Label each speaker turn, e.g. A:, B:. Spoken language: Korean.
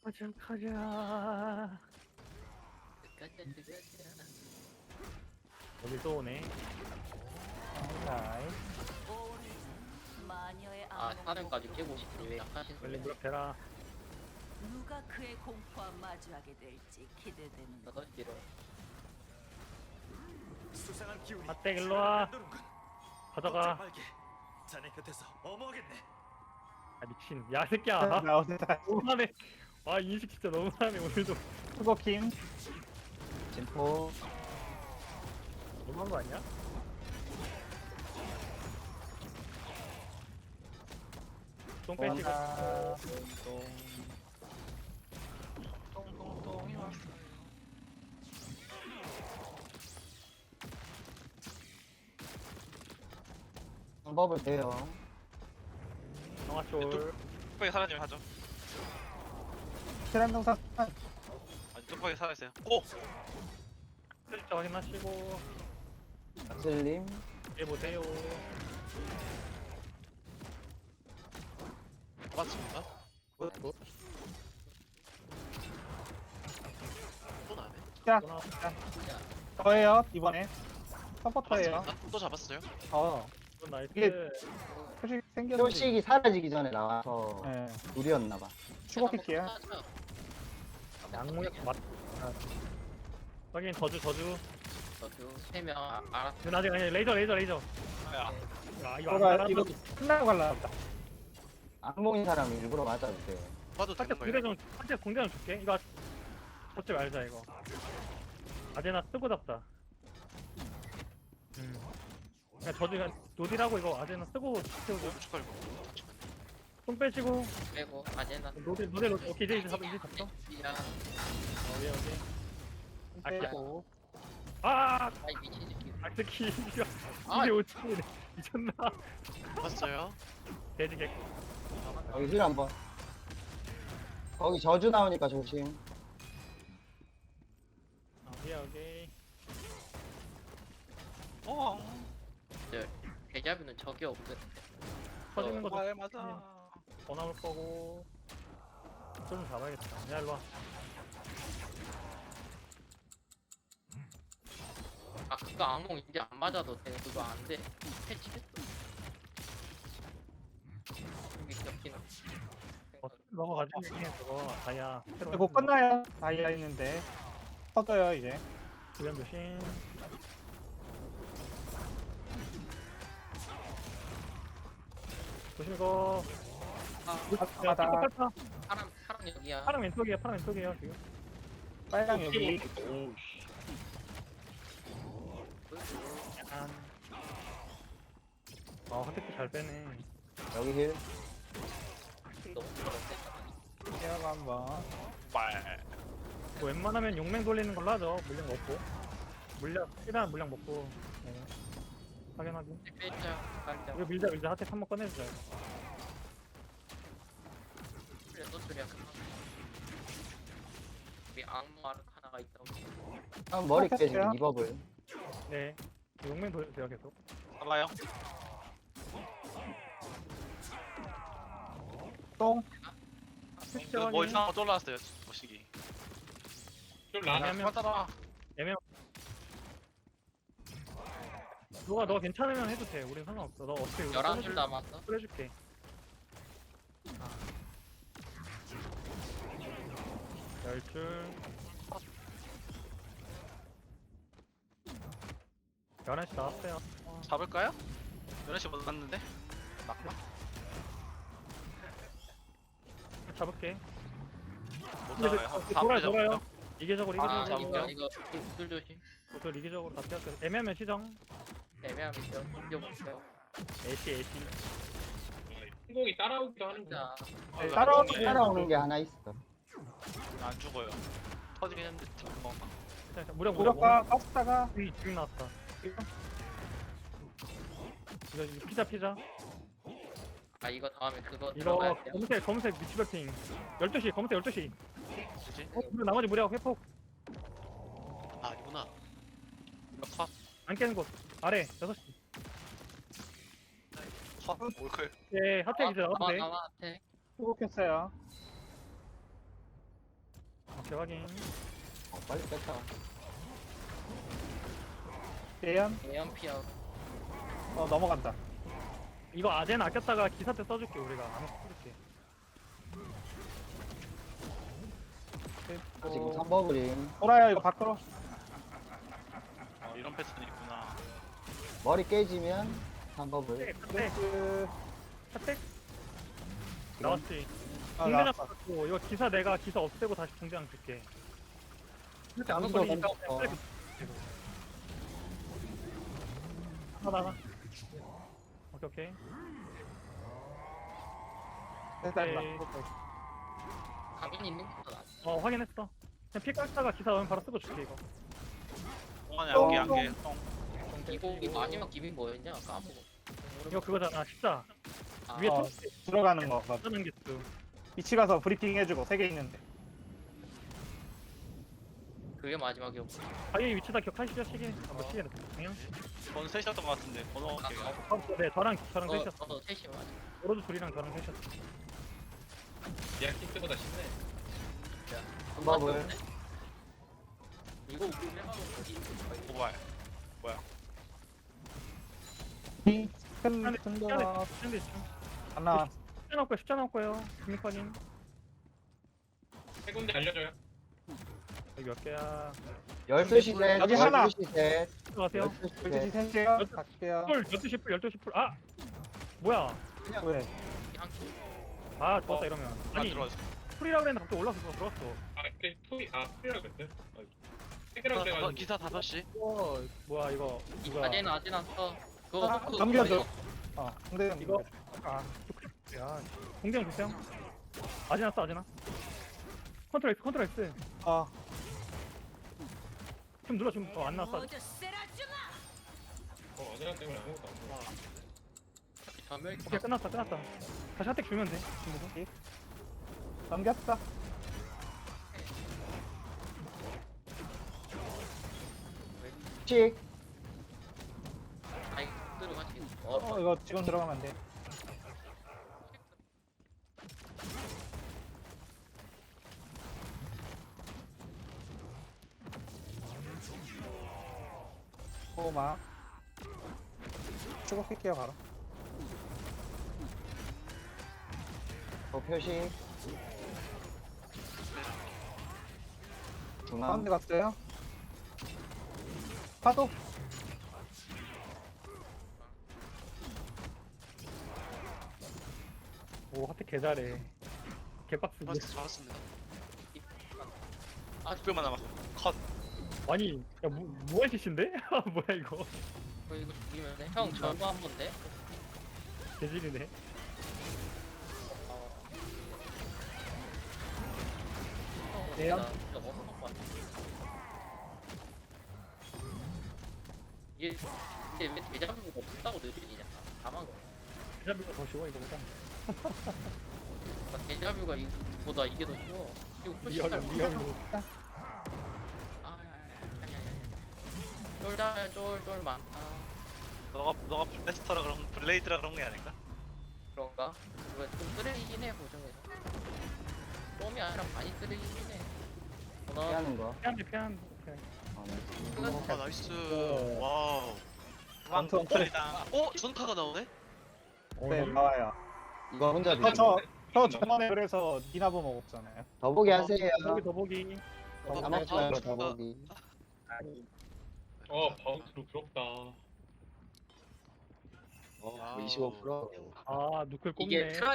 A: 가자.
B: 가자.
A: 여기 또 오네.
B: 나이.
C: 마녀의
D: 아,
C: 암흑
D: 사령까지 깨고 싶으니 왜 약하신
A: 빨리
D: 소리?
A: 무력해라.
C: 누가 그의 공포와 마주하게 될지 기대되는 것.
D: 너도 길어.
E: 수상한 기운이
A: 아떼 일로 와.
E: 맴도는군.
A: 가져가.
E: 걱정 말게. 자네 곁에서 어머하겠네.
A: 아 미친. 야 새끼야.
B: 나 어디다
A: 너무하네. 와 인식 진짜 너무하네 오늘도.
B: 수고킹. 진포.
A: 너무한 거 아니야? 똥 빼시고.
B: 고맙다.
D: 똥똥똥이 왔어요.
B: 방법을 배요.
A: 정화쫄.
F: 뚝배기 사라지면 하죠.
B: 실한동사
F: 아니 뚝배기 살아있어요. 오!
A: 슬쩍 확인하시고.
B: 슬림.
A: 해보세요.
F: 맞습니다.
A: 굿.
F: 또 나네.
B: 자,
A: 또 나와.
B: 저예요 이번에. 서포터예요.
F: 맞습니다. 또 잡았어요.
A: 굿, 나이스.
B: 이게 표식 생겼는데.
G: 표식이 사라지기 전에 나와서
B: 예.
G: 무리였나봐.
B: 추가킬게요.
A: 양무역 맞. 아. 확인 저주.
D: 저도 3명 알았어.
A: 그 나중에 아니 레이저.
F: 야,
A: 아 이거 안
B: 이거
A: 나가나?
B: 이거 끝나고 갈라 보다.
G: 악몽인 사람이 일부러 맞아도 돼.
F: 봐도 되는
A: 살짝 공대
F: 거예요.
A: 살짝 공대 좀 줄게. 이거 잡지 말자 이거. 아제나 쓰고 잡자. 그냥 저주 그냥 노딜하고 이거 아제나 쓰고 채우자.
F: 축하해.
A: 손 빼시고
D: 빼고 아제나
A: 노딜 오케이 이제 잡았어.
D: 시작.
A: 여기.
B: 빼고.
A: 아
D: 아이 미친 새끼.
A: 악스키 이게
D: 아.
A: 5층이네. 미쳤나?
F: 봤어요.
A: 돼지 개코.
G: 여기 힐 한번. 거기 저주 나오니까 조심.
A: 오케이.
F: 어.
D: 대자뷰는 적이 없거든.
A: 터지는 것도
F: 말 맞아.
A: 더 나올 거고. 좀 잡아야겠다. 야 일로 와.
D: 아 그거 악몽 이제 안 맞아도 돼. 그거 안 돼. 패치됐어. 여기 적기는.
A: 넘어가지. 저거 다이아.
B: 이거 끝나요. 다이아 있는데. 터져요 이제.
A: 주변 조심. 조심 이거. 야,
B: 바다.
A: 깜빡했다.
D: 파랑 여기야.
A: 파랑 왼쪽이에요 지금.
B: 빨강 여기.
A: 약간. 핫테크 잘 빼네.
G: 여기 힐.
D: 너무 부럽다.
B: 제가 한번.
F: 말.
A: 뭐 웬만하면 용맹 돌리는 걸로 하죠. 물량 먹고. 일단 물량 먹고. 네. 확인하기.
D: 빼자. 갈자.
A: 이거 밀자. 핫테크 한번 꺼내주자.
D: 그래 또 소리야. 우리 악몽 아르카나가 있다.
G: 한 머리
B: 어,
G: 깨지고
B: 됐어요?
G: 리버블.
A: 네. 용맹 돌려주세요 계속.
F: 달라요.
B: 똥.
F: 뭐 이상한 거 쫄라왔어요. 모시기.
A: 애매하면
F: 맞아라.
A: 너 괜찮으면 해도 돼. 우린 상관없어. 너 어떻게
D: 11줄 남았어.
A: 해줄게. 아. 10줄. 11시 나왔어요.
F: 잡을까요? 11시 못 갔는데. 막나?
A: 잡을게.
F: 못
A: 근데
F: 잡아요.
A: 돌아요. 이계적으로
F: 아,
A: 이계적으로
F: 잡을게요.
D: 이거 술 조심.
A: 또 이계적으로 다 피할게. 애매하면 시정.
D: 애매하면 있어. 인정 없어요.
A: 애쉬.
H: 신곡이 따라오기도 하는구나.
D: 진짜
G: 따라오는 게 하나 있어.
F: 안 죽어요. 터지긴 했는데 잡은 건가?
A: 무력.
B: 무력과 가스다가.
A: 지금 나왔다. 이거 피자.
D: 아 이거 다음에 그거
A: 이거
D: 들어가야 돼.
A: 검은색 미치버팅 12시 검은색 12시
F: 뭐지?
A: 그리고 나머지 무력 회폭
F: 아 이구나. 이거 컷.
A: 안 깨는 곳 아래 6시
F: 컷. 올클.
A: 예 핫택 이제 나와도 돼
D: 나와 돼.
B: 수고했어요.
A: 오케이 확인.
G: 빨리 뺐다.
B: 예언.
D: 예언 피하고.
B: 넘어간다.
A: 이거 아젠 아꼈다가 기사 때 써줄게 우리가. 안 써줄게.
G: 지금 3버블임.
B: 돌아요 이거 밖으로.
F: 이런 패턴이 있구나.
G: 머리 깨지면 3버블.
A: 네.
B: 네.
A: 핫택 나왔지.
B: 아,
A: 공대장
B: 나왔어.
A: 받고 이거 기사 내가 기사 없애고 다시 공대장 줄게. 이렇게 안
G: 먼저
A: 걸리니까
G: 던졌어.
A: 빨리 나가. 오케이 오케이.
B: 됐다
A: 네.
B: 됐다.
D: 가만히 있는 것보다 낫.
A: 확인했어. 그냥 피 깎다가 기사 오면 바로 쓰고 줄게 이거.
F: 동안에
B: 똥,
F: 안개
B: 똥.
F: 안개.
D: 이 마지막 기믹 뭐였냐? 까먹어.
A: 이거 그거잖아. 십자
D: 아,
A: 위에
B: 어, 들어가는 거. 맞아.
A: 터는 게 또.
B: 위치 가서 브리핑 해주고 3개 있는데.
D: 그게 마지막이었고.
A: 자기 위치 다 기억하시죠? 시계 뭐 시계 그냥.
F: 번 셋이었던 것 같은데 번호 갈게요.
A: 네 저랑 셋이었어.
D: 셋이 맞아.
A: 오로드 둘이랑 저랑 셋이었어.
H: 야 킥스보다 쉽네.
G: 3버블.
D: 이거 우리 해봐도 어디?
F: 고발.
B: 큰 거.
A: 근데 지금
B: 하나.
A: 십자 나올 거예요. 김익환님
H: 세 군데 알려줘요.
A: 여기 몇 개야?
G: 12시 셋.
B: 여기 하나.
G: 12시 셋.
A: 들어가세요.
G: 12시
B: 12시
G: 셋.
B: 3개요. 갈게요.
A: 풀 12시 풀 12시 풀. 아 뭐야?
B: 왜?
A: 아 좋았다 이러면.
F: 안
A: 아니
F: 들어왔어.
A: 풀이라고 그랬는데 갑자기 올라서 들어왔어.
H: 아 근데 투이라 그랬어요. 세 개라고 돼가지고.
F: 기사 5시.
A: 뭐야 이거 누가
D: 아제나 써. 그거
B: 아,
D: 호크
B: 넘겨줘. 근데
A: 이거 아 야 공장 주세요. 아지나 써 아지나. 컨트롤 X. 좀 눌러 좀안 나왔어.
C: 모두 쓰러져라.
H: 어제랑 때문에 아무것도 안 보여.
D: 전멸
A: 오케이 끝났다. 다시 핫택 주면 돼. 친구도.
B: 넘겼다.
G: 칙.
D: 아이 들어가지.
B: 이거 지금 들어가면 안 돼. 호마. 추격할게요 바로.
G: 표시. 중앙.
B: 가운데 갔어요. 파도.
A: 오 핫택 개 잘해. 개빡스.
F: 좋았습니다.
D: 아
F: 600만 남았어. 컷.
A: 아니 야 뭐야 CC인데? 뭐야 이거.
D: 이거 죽이면 돼. 형 저거 한 번 돼.
A: 개질이네.
B: 예요?
D: 얘 왜 대장부가 없다고 느끼냐? 다만 거.
A: 대자비가 더 쉬워 이거보다.
D: 대자뷰가 이보다 이게 더 쉬워. 이거 훨씬
A: 리얼로.
D: 쫄 많다.
F: 너가 블레스터라 그런 블레이드라 그런 게 아닐까?
D: 그런가? 이거 좀 쓰레기긴 해 보정에서. 쏨이 아니라 많이 쓰레기긴 해.
G: 피하는 거.
A: 피한.
F: 아 나이스. 와우.
B: 완전
F: 플레이다. 전카가 나오네?
B: 네 나와요.
G: 이거 혼자
B: 저 저번에 그래서 니나보 먹었잖아요.
G: 더보기 하세요.
A: 더보기.
G: 까먹지 말고 더보기.
H: 바운스로 부럽다.
G: 25%.
A: 아 누클 꼽네.
D: 이게 트라이